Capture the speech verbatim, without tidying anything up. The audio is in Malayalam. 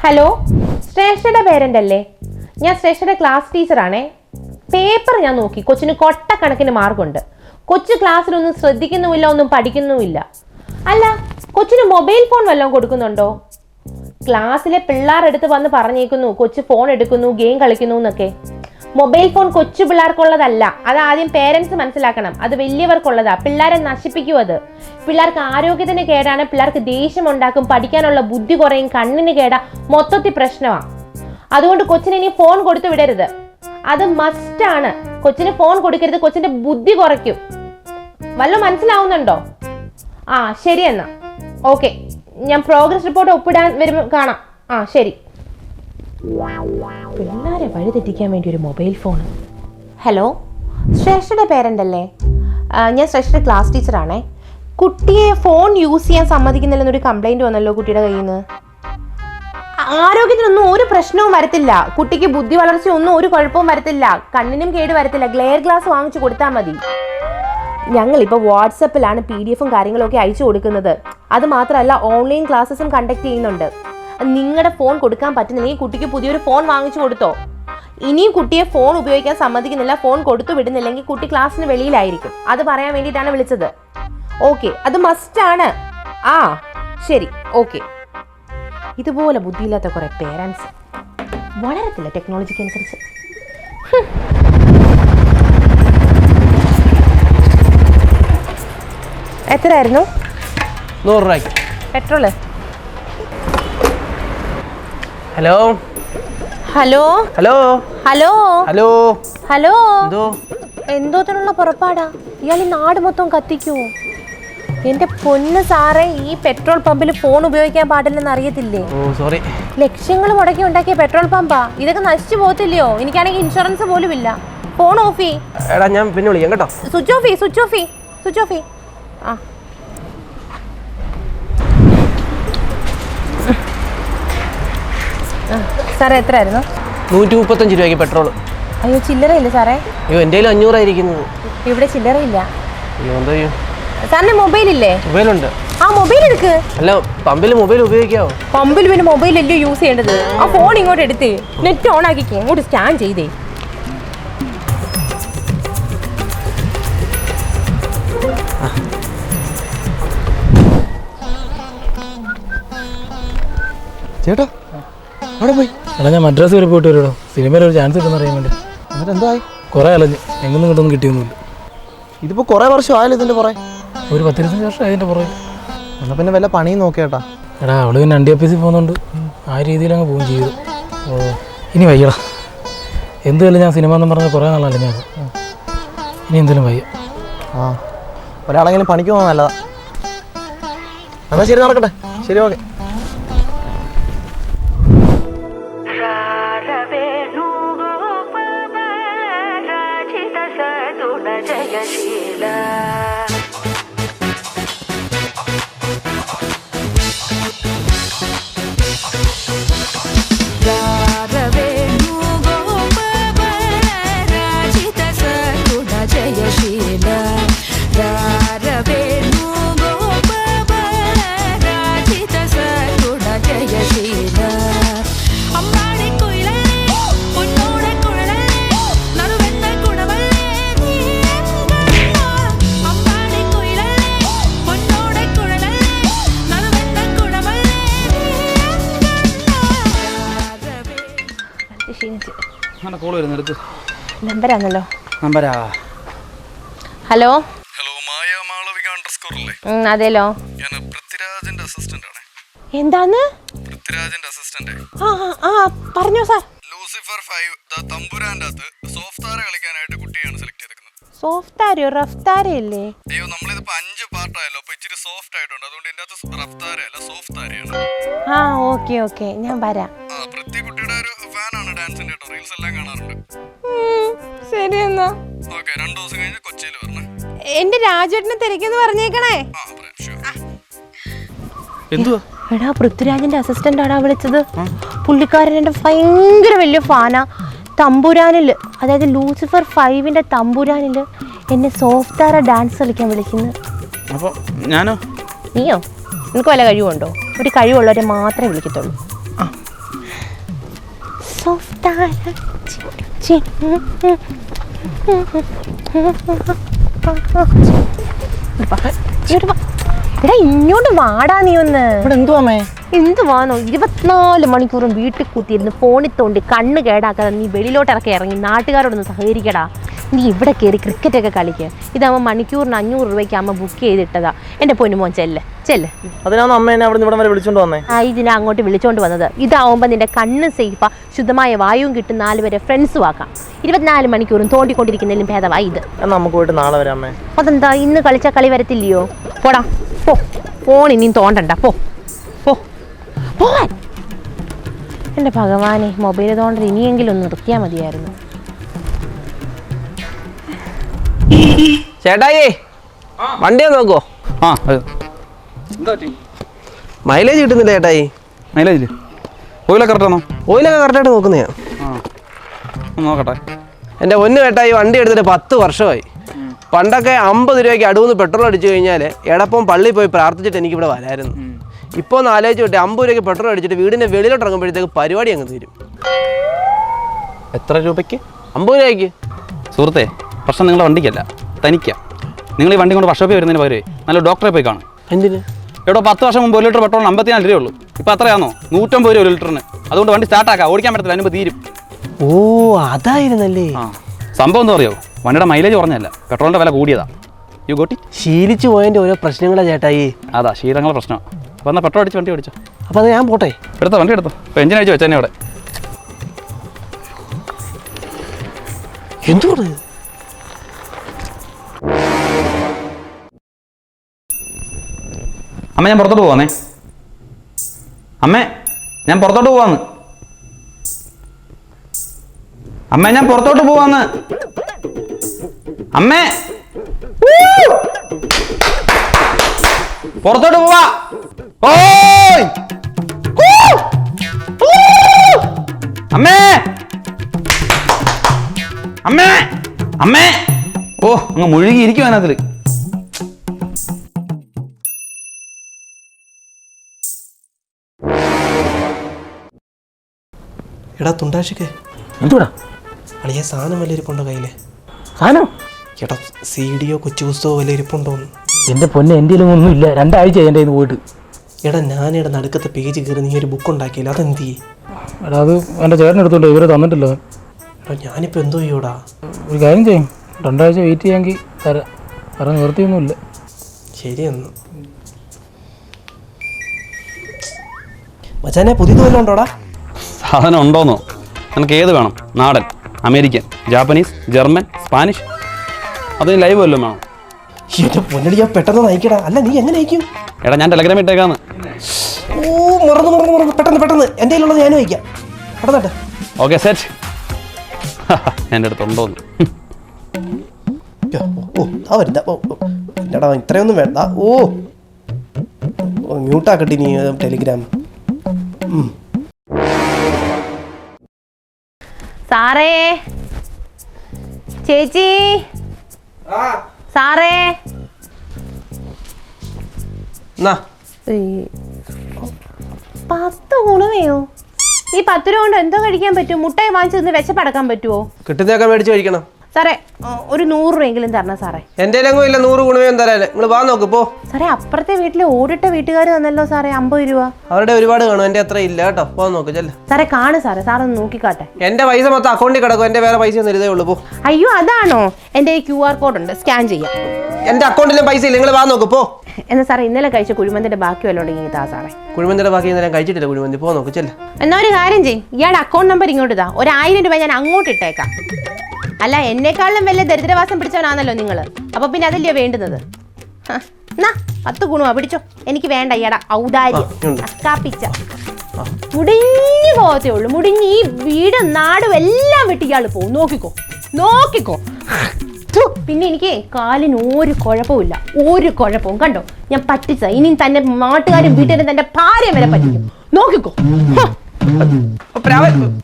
ഹലോ, ശ്രേഷ്ഠയുടെ പേരൻ്റ് അല്ലേ? ഞാൻ ശ്രേഷ്ഠയുടെ ക്ലാസ് ടീച്ചറാണേ. പേപ്പർ ഞാൻ നോക്കി, കൊച്ചിന് കൊട്ടക്കണക്കിന് മാർക്കുണ്ട്. കൊച്ചു ക്ലാസ്സിലൊന്നും ശ്രദ്ധിക്കുന്നുമില്ല, ഒന്നും പഠിക്കുന്നുമില്ല. അല്ല, കൊച്ചിന് മൊബൈൽ ഫോൺ വല്ലതും കൊടുക്കുന്നുണ്ടോ? ക്ലാസ്സിലെ പിള്ളേരെടുത്ത് വന്ന് പറഞ്ഞേക്കുന്നു കൊച്ചു ഫോൺ എടുക്കുന്നു, ഗെയിം കളിക്കുന്നു എന്നൊക്കെ. മൊബൈൽ ഫോൺ കൊച്ചു പിള്ളേർക്കുള്ളതല്ല, അത് ആദ്യം പേരൻസ് മനസ്സിലാക്കണം. അത് വലിയവർക്കുള്ളതാ. പിള്ളേരെ നശിപ്പിക്കും. അത് പിള്ളേർക്ക് ആരോഗ്യത്തിന് കേടാണ്, പിള്ളേർക്ക് ദേഷ്യം ഉണ്ടാക്കും, പഠിക്കാനുള്ള ബുദ്ധി കുറയും, കണ്ണിന് കേടാ, മൊത്തത്തിൽ പ്രശ്നമാണ്. അതുകൊണ്ട് കൊച്ചിന് ഇനി ഫോൺ കൊടുത്തു വിടരുത്. അത് മസ്റ്റാണ്. കൊച്ചിന് ഫോൺ കൊടുക്കരുത്, കൊച്ചിന്റെ ബുദ്ധി കുറയ്ക്കും. വല്ലതും മനസ്സിലാവുന്നുണ്ടോ? ആ ശരി, എന്നാ ഓക്കെ. ഞാൻ പ്രോഗ്രസ് റിപ്പോർട്ട് ഒപ്പിടാൻ വരുമ്പോൾ കാണാം. ആ ശരി. പിള്ളേരെ വഴിതെറ്റിക്കാൻ വേണ്ടി ഒരു മൊബൈൽ ഫോൺ. ഹലോ, ശ്രേഷ്ഠയുടെ പേരൻ്റ് അല്ലേ? ഞാൻ ശ്രേഷ്ഠയുടെ ക്ലാസ് ടീച്ചറാണേ. കുട്ടിയെ ഫോൺ യൂസ് ചെയ്യാൻ സമ്മതിക്കുന്നില്ലെന്നൊരു കംപ്ലൈൻറ്റ് വന്നല്ലോ കുട്ടിയുടെ കയ്യിൽ നിന്ന്. ആരോഗ്യത്തിനൊന്നും ഒരു പ്രശ്നവും വരത്തില്ല, കുട്ടിക്ക് ബുദ്ധി വളർച്ച ഒന്നും ഒരു കുഴപ്പവും വരത്തില്ല, കണ്ണിനും കേട് വരത്തില്ല. ഗ്ലെയർ ഗ്ലാസ് വാങ്ങിച്ചു കൊടുത്താൽ മതി. ഞങ്ങളിപ്പോൾ വാട്സപ്പിലാണ് പി ഡി എഫും കാര്യങ്ങളൊക്കെ അയച്ചു കൊടുക്കുന്നത്. അത് മാത്രമല്ല, ഓൺലൈൻ ക്ലാസ്സസും കണ്ടക്ട് ചെയ്യുന്നുണ്ട്. നിങ്ങളുടെ ഫോൺ കൊടുക്കാൻ പറ്റുന്നില്ലെങ്കിൽ കുട്ടിക്ക് പുതിയൊരു ഫോൺ വാങ്ങിച്ചു കൊടുത്തോ. ഇനിയും കുട്ടിയെ ഫോൺ ഉപയോഗിക്കാൻ സമ്മതിക്കുന്നില്ല, ഫോൺ കൊടുത്തു വിടുന്നില്ലെങ്കിൽ കുട്ടി ക്ലാസ്സിന് വെളിയിലായിരിക്കും. അത് പറയാൻ വേണ്ടിയിട്ടാണ് വിളിച്ചത്. ഓക്കെ, അത് മസ്റ്റാണ്. ആ ശരി, ഓക്കെ. ഇതുപോലെ ബുദ്ധിയില്ലാത്ത കുറെ പേരൻസ് വളരത്തില്ല ടെക്നോളജിക്ക് അനുസരിച്ച്. എത്രയായിരുന്നു? നൂറ് രൂപയ്ക്ക് petrol. Hello hello hello hello hello hello എന്തോ എന്തോത്തിനുള്ള പുറപ്പാടാ? ഇയാൾ ഈ നാട് മൊത്തം കത്തിക്കുവോ? എന്റെ പൊന്ന് സാറേ, ഈ പെട്രോൾ പമ്പിൽ ഫോൺ ഉപയോഗിക്കാൻ പാടില്ലെന്ന് അറിയത്തില്ലേ? ഓ സോറി. ലക്ഷങ്ങൾ മുടക്കി ഉണ്ടാക്കിയ പെട്രോൾ പമ്പാ. ഇതൊക്കെ നശിച്ചു പോകത്തില്ലയോ? എനിക്കാണെങ്കിൽ ഇൻഷുറൻസ് പോലും ഇല്ല. ഫോൺ ഓഫ് ചെയ്യ്. എടാ ഞാൻ പിന്നെ വിളിക്കാം കേട്ടോ. സ്വിച്ച് ഓഫ് ചെയ്യ്, സ്വിച്ച് ഓഫ് ചെയ്യ്, സ്വിച്ച് ഓഫ് ചെയ്യ്. ആ സാറേ, എത്രയായിരുന്നു? നൂറ്റി മുപ്പത്തഞ്ച് രൂപയ്ക്ക് പെട്രോൾ. അയ്യോ, ചില്ലറയില്ല സാറേ. അയ്യോ, എൻ്റെ കയ്യിൽ അഞ്ഞൂറായിരിക്കുന്നത്. ഇവിടെ ചില്ലറയില്ല. അയ്യോ, എന്താ ചെയ്യും? സാറിന് മൊബൈൽ ഇല്ലേ? മൊബൈലുണ്ട്. ആ മൊബൈൽ എടുക്ക്. അല്ല, പമ്പിൽ മൊബൈൽ ഉപയോഗിക്കാവോ? പമ്പിൽ പിന്നെ മൊബൈൽ അല്ലേ യൂസ് ചെയ്യേണ്ടത്? ആ ഫോൺ ഇങ്ങോട്ട് എടുത്തേ, നെറ്റ് ഓൺ ആക്കിക്കേ, ഇങ്ങോട്ട് സ്കാൻ ചെയ്തേ. ചേട്ടാ അവിടെ പോയി? എടാ, ഞാൻ മദ്രാസ് വരെ പോയിട്ട് വരുമോ? സിനിമയിൽ ഒരു ചാൻസ് കിട്ടുന്ന അറിയാൻ വേണ്ടി. എന്നിട്ട് എന്തായി? കുറേ അലഞ്ഞ് എങ്ങൊന്നും കിട്ടൊന്നും കിട്ടിയൊന്നുമില്ല. ഇതിപ്പോൾ കുറേ വർഷം ആയല്ലോ ഇതിൻ്റെ പുറകെ. ഒരു പത്തിരുപത്തഞ്ച് വർഷം അതിൻ്റെ പുറകെ. എന്നാൽ പിന്നെ വല്ല പണിയും നോക്കിയേട്ടാ. എടാ, അവള് പിന്നെ അണ്ടി ഓഫീസിൽ പോകുന്നുണ്ട്. ആ രീതിയിൽ അങ്ങ് പോവുകയും ചെയ്തു. ഓ, ഇനി വയ്യടാ. എന്തുമല്ല, ഞാൻ സിനിമ എന്നും പറഞ്ഞാൽ കുറേ നാളല്ല ഞാൻ. ഇനി എന്തെങ്കിലും വയ്യ. ആ, ഒരാളെങ്കിലും പണിക്ക് പോകാൻ നല്ലതാ. എന്നാൽ ശരി, നടക്കട്ടെ. ശരി, ഓക്കെ. നമ്പരാണല്ലോ. നമ്പരാ. Hello hello, Maya Malavika underscore അല്ലേ? അതേലോ. ഞാൻ പൃഥ്വിരാജിന്റെ അസിസ്റ്റന്റ് ആണ്. എന്താന്ന്? പൃഥ്വിരാജിന്റെ അസിസ്റ്റന്റ്. ആ ആ പറഞ്ഞോ സാർ. ലൂസിഫർ ഫൈവ് ദ തമ്പുരാന്റെ അകത്ത് സോഫ്റ്റ് താര കളിക്കാനായിട്ട് കുട്ടിയാണ് സെലക്ട് ചെയ്തിരിക്കുന്നത്. സോഫ്റ്റ് താരയോ? റഫ് താരയല്ലേ? അയ്യോ, നമ്മളിതിപ്പോ അഞ്ച് പാർട്ടായല്ലോ, അപ്പൊ ഇച്ചിരി സോഫ്റ്റ് ആയിട്ടുണ്ട്. അതുകൊണ്ട് ഇതിന്റെ അകത്ത് റഫ് താരയല്ല, സോഫ്റ്റ് താരയാണ്. ആ ഓക്കെ ഓക്കെ, ഞാൻ വരാം. ആ, പൃഥ്വി കുട്ടിയുടെ ഒരു ഫാനാണ് ഡാൻസിന്റെ കേട്ടോ. റീൽസ് എല്ലാം കാണാറുണ്ട്. ശരി എന്നാ. ഓക്കെ, രണ്ടു ദിവസം കഴിഞ്ഞ് കൊച്ചിയിൽ വരണേ. എന്റെ രാജേട്ടനെ തിരക്കെന്ന് പറഞ്ഞേക്കണേ. ആ പറയാം, ഷുവർ. എന്തുവാ? എടാ, പൃഥ്വിരാജിന്റെ അസിസ്റ്റന്റ് ആടാ വിളിച്ചത്. പുള്ളിക്കാരൻ എന്റെ ഭയങ്കര വലിയ ഫാനാ. തമ്പുരാനില്, അതായത് ലൂസിഫർ ഫൈവിന്റെ തമ്പുരാനില് എന്നെ സോഫ്റ്റ് താര ഡാൻസ് കളിക്കാൻ വിളിക്കുന്നു. അപ്പോൾ ഞാനോ? നീയോ? നിനക്ക് വല്ല കഴിവുണ്ടോ? ഒരു കഴിവുള്ളവരെ മാത്രമേ വിളിക്കത്തുള്ളൂ. ആ എടാ ഇങ്ങോട്ട് വാടാ നീ ഒന്ന്. ഇവിടെ എന്തുവാമേ? എന്തുവാന്നോ ഇരുപത്തിനാല് മണിക്കൂറും വീട്ടിൽ കൂത്തിയിരുന്ന് ഫോണിൽ തോണ്ടി കണ്ണ് കേടാക്കാതെ നീ വെളിയിലോട്ടിറക്കി ഇറങ്ങി നാട്ടുകാരോടൊന്ന് സഹകരിക്കടാ. നീ ഇവിടെ കയറി ക്രിക്കറ്റൊക്കെ കളിക്കുക. ഇതാകുമ്പോൾ മണിക്കൂറിന് അഞ്ഞൂറ് രൂപയ്ക്ക് അമ്മ ബുക്ക് ചെയ്തിട്ടതാ. എൻ്റെ പൊന്നുമോൻ ചെല്ല് ചെല്ല്. അതിനാണ് അമ്മ എന്നെ അവിടെ നിന്ന് ഇവിടെ വരെ വിളിച്ചോണ്ട് വന്നേ. ആ ഇതിനെ അങ്ങോട്ട് വിളിച്ചോണ്ട് വന്നത്. ഇതാവുമ്പോൾ നിന്റെ കണ്ണ് സേഫാ, ശുദ്ധമായ വായുവും കിട്ടും, നാല് വരെ ഫ്രണ്ട്സും ആക്കാം. ഇരുപത്തിനാല് മണിക്കൂറും തോണ്ടിക്കൊണ്ടിരിക്കുന്നതിലും ഭേദമായി ഇത്. എന്നാ നമുക്ക് പോയിട്ട് നാളെ വരാം അമ്മേ. അതെന്താ ഇന്ന് കളിച്ച കളി വരത്തില്ലയോ? പോടാ പോ, ഫോൺ ഇനിയും തോണ്ടണ്ട. പോ പോ പോവാൻ. എൻ്റെ ഭഗവാനെ, മൊബൈൽ തോണ്ടൽ ഇനിയെങ്കിലും ഒന്ന് നിർത്തിയാൽ മതിയായിരുന്നു. ചേട്ടായി വണ്ടിയാ നോക്കോ? ആ എന്താ പറ്റി? മൈലേജ് കിട്ടുന്നില്ല ചേട്ടായി. മൈലേജില് ഓയിലൊക്കെ കറക്റ്റാണോ? ഓയിലൊക്കെ കറക്റ്റായിട്ട് നോക്കുന്നയാ. ആ ഒന്ന് നോക്കട്ടെ. എൻ്റെ ഒന്ന് ചേട്ടായി വണ്ടി എടുത്തിട്ട് പത്ത് വർഷമായി. പണ്ടൊക്കെ അമ്പത് രൂപയ്ക്ക് അടുന്ന് പെട്രോൾ അടിച്ചു കഴിഞ്ഞാൽ എടപ്പം പള്ളിയിൽ പോയി പ്രാർത്ഥിച്ചിട്ട് എനിക്കിവിടെ വരായിരുന്നു. ഇപ്പോൾ ഒന്ന് ആലോചിച്ച് വിട്ടെ, അമ്പത് രൂപയ്ക്ക് പെട്രോൾ അടിച്ചിട്ട് വീടിൻ്റെ വെളിയിലോട്ട് ഇറങ്ങുമ്പോഴത്തേക്ക് പരിപാടി അങ്ങ് തീരും. എത്ര രൂപയ്ക്ക്? അമ്പത് രൂപയ്ക്ക്. സുഹൃത്തെ, പ്രശ്നം നിങ്ങളുടെ വണ്ടിക്കല്ല, തനിക്കാം. നിങ്ങൾ ഈ വണ്ടി കൊണ്ട് വർഷോപ്പിൽ വരുന്നതിന് പകരം നല്ല ഡോക്ടറെ പോയി കാണും. എന്തിന്? എവിടെ പത്ത് വർഷം മുമ്പ് ഒരു ലിറ്റർ പെട്രോളിന് അമ്പത്തിനാല് രൂപയേ ഉള്ളൂ. ഇപ്പോൾ അത്രയാണോ? നൂറ്റമ്പത് രൂപ ഒരു ലിറ്ററിന്. അതുകൊണ്ട് വണ്ടി സ്റ്റാർട്ടാക്കാം, ഓടിക്കാൻ പറ്റത്തില്ല, അതിനുമ്പോൾ തീരും. ഓ അതായിരുന്നല്ലേ. ആ സംഭവം എന്താ അറിയോ? വണ്ടിയുടെ മൈലേജ് കുറഞ്ഞല്ല, പെട്രോളിൻ്റെ വില കൂടിയതാ. യു ഗോട്ടി ശീലിച്ചു പോയതിൻ്റെ ഓരോ പ്രശ്നങ്ങളാ ചേട്ടായി. അതാ ശീലങ്ങളുടെ പ്രശ്നം. അപ്പോൾ എന്നാൽ പെട്രോൾ അടിച്ച് വണ്ടി ഓടിച്ചോ. അപ്പോൾ അത് ഞാൻ പോട്ടെ? എടുത്തോ, വണ്ടി എടുത്തോ. ഇപ്പോൾ എഞ്ചിൻ അടിച്ച് വെച്ചതന്നെ അവിടെ. എന്തുകൊണ്ട്? അമ്മ ഞാൻ പുറത്തോട്ട് പോവാന്നേ. അമ്മേ ഞാൻ പുറത്തോട്ട് പോവാന്ന്. അമ്മ ഞാൻ പുറത്തോട്ട് പോവാന്ന്. അമ്മേ പുറത്തോട്ട് പോവാ. ഓയ് അമ്മേ അമ്മേ അമ്മേ. ഓ അങ്ങ് മുഴുകി ഇരിക്കും അതിനകത്തില്. എടാ തുണ്ടാശിക്ക് എന്തുടാ അളിയ സാധനം വല്ല ഇരിപ്പുണ്ടോ കയ്യില്? സാധനം? ചേട്ടാ സി ഡിയോ കൊച്ചു പുസ്തകമോ വല്ല ഇരിപ്പുണ്ടോന്ന്? എൻ്റെ പൊന്നെ, എൻ്റെ ഒന്നും ഇല്ല. രണ്ടാഴ്ച എൻ്റെ കയ്യിൽ നിന്ന് പോയിട്ട്. എടാ ഞാനിവിടെ നടുക്കത്തെ പേജ് കയറി നീ ഒരു ബുക്ക് ഉണ്ടാക്കിയില്ല, അതെന്ത് ചെയ്യേ? എടാ അത് എൻ്റെ ചേട്ടനെടുത്തോണ്ട് ഇവരെ തന്നിട്ടില്ല. എടാ ഞാനിപ്പോൾ എന്തോ ചെയ്യൂടാ? ഒരു കാര്യം ചെയ്യും, രണ്ടാഴ്ച വെയിറ്റ് ചെയ്യാമെങ്കിൽ തരാം. വേറെ നിവൃത്തിയൊന്നുമില്ല. ശരിയെന്ന് മച്ചാനെ പുതിയത് വല്ലതും ഉണ്ടോടാ? സാധനം ഉണ്ടോന്നോ? നിനക്ക് ഏത് വേണം? നാടൻ, അമേരിക്കൻ, ജാപ്പനീസ്, ജർമ്മൻ, സ്പാനിഷ്? അതിന് ലൈവ് വല്ലതും വേണം? എന്റെ പൊന്നടി ഞാൻ പെട്ടെന്ന് നയിക്കടാ. അല്ല നീ എങ്ങനെ നയിക്കും? എടാ ഞാൻ ടെലഗ്രാം ഇട്ടേക്കാന്ന്. ഓ മറന്നു മറന്നു മറന്നു പെട്ടെന്ന് പെട്ടെന്ന് എൻ്റെ കയ്യിലുള്ളത് ഞാനും വയ്ക്കാം. പെട്ടെന്നട്ടെ. Okay set. എൻ്റെ അടുത്തുണ്ടോന്ന്? ഓ ആ വരുന്ന ഓ എന്നടാ ഇത്രയൊന്നും വേണ്ട. ഓ ഓ മ്യൂട്ടാക്കട്ടെ നീ ടെലിഗ്രാം. സാറേ, ചേച്ചി, സാറേ. പത്ത് ഗുണമേയോ? ഈ പത്ത് രൂപ കൊണ്ട് എന്തോ കഴിക്കാൻ പറ്റും? മുട്ടായി വാങ്ങിച്ചു നിന്ന് വിശപ്പടക്കാൻ പറ്റുമോ? കിട്ടുന്നതൊക്കെ മേടിച്ച് കഴിക്കണം. സാറേ ഒരു നൂറ് രൂപയെങ്കിലും തരണം സാറേ. എൻ്റെ എങ്കിലും ഇല്ല നൂറ് ഗുണമേയും തരാല്ലേ. നിങ്ങൾ വാ നോക്ക് പോ. സാറേ അപ്പുറത്തെ വീട്ടിലെ ഓടിട്ട വീട്ടുകാർ തന്നല്ലോ സാറേ അമ്പത് രൂപ. അവരുടെ ഒരുപാട് കാണും, എൻ്റെ അത്ര ഇല്ല കേട്ടോ. പോ നോക്ക് ചെല്ല. സാറേ കാണു സാറേ, സാറൊന്ന് നോക്കിക്കാട്ടെ. എൻ്റെ പൈസ മൊത്തം അക്കൗണ്ടിൽ കിടക്കും, എൻ്റെ വേറെ പൈസ ഒന്നും ഇതേ ഉള്ളൂ. പോ. അയ്യോ അതാണോ? എൻ്റെ ക്യു ആർ കോഡ് ഉണ്ട്, സ്കാൻ ചെയ്യാം. എൻ്റെ അക്കൗണ്ടിലും പൈസ ഇല്ല, നിങ്ങൾ വാ നോക്ക് പോ. എന്നാ സാറേ ഇന്നലെ കഴിച്ച കുഴിമന്തിന്റെ ബാക്കി വല്ലതും ഉണ്ടെങ്കിൽ ഇതാ സാറേ. കുഴിമന്തിയുടെ ബാക്കി ഞാൻ കഴിച്ചിട്ടില്ല കുഴിമന്തി. പോ നോക്ക് ചെല്ല. എന്നാ ഒരു കാര്യം ചെയ്യും, ഇയാളുടെ അക്കൗണ്ട് നമ്പർ ഇങ്ങോട്ട് ഇതാ, ഒരു ആയിരം രൂപ ഞാൻ അങ്ങോട്ട് ഇട്ടേക്കാം. അല്ല എന്നെക്കാളും വലിയ ദരിദ്രവാസം പിടിച്ചവനാണല്ലോ നിങ്ങൾ, അപ്പൊ പിന്നെ അതല്ലയോ വേണ്ടുന്നത്. എന്നാ പത്ത് ഗുണമാ പിടിച്ചോ. എനിക്ക് വേണ്ട ഇയാടാ ഔദാര്യം. അക്കാപ്പിച്ച മുടിഞ്ഞു പോകത്തേ ഉള്ളൂ, മുടിഞ്ഞ് ഈ വീടും നാടും എല്ലാം വിട്ട് ഇയാൾ പോകും. നോക്കിക്കോ നോക്കിക്കോ. പിന്നെ എനിക്ക് കാലിന് ഒരു കുഴപ്പമില്ല, ഒരു കുഴപ്പവും. കണ്ടോ ഞാൻ പറ്റിച്ച. ഇനിയും തന്നെ നാട്ടുകാരും വീട്ടുകാരും തന്റെ ഭാര്യ വരെ പറ്റിക്കും. നോക്കിക്കോ.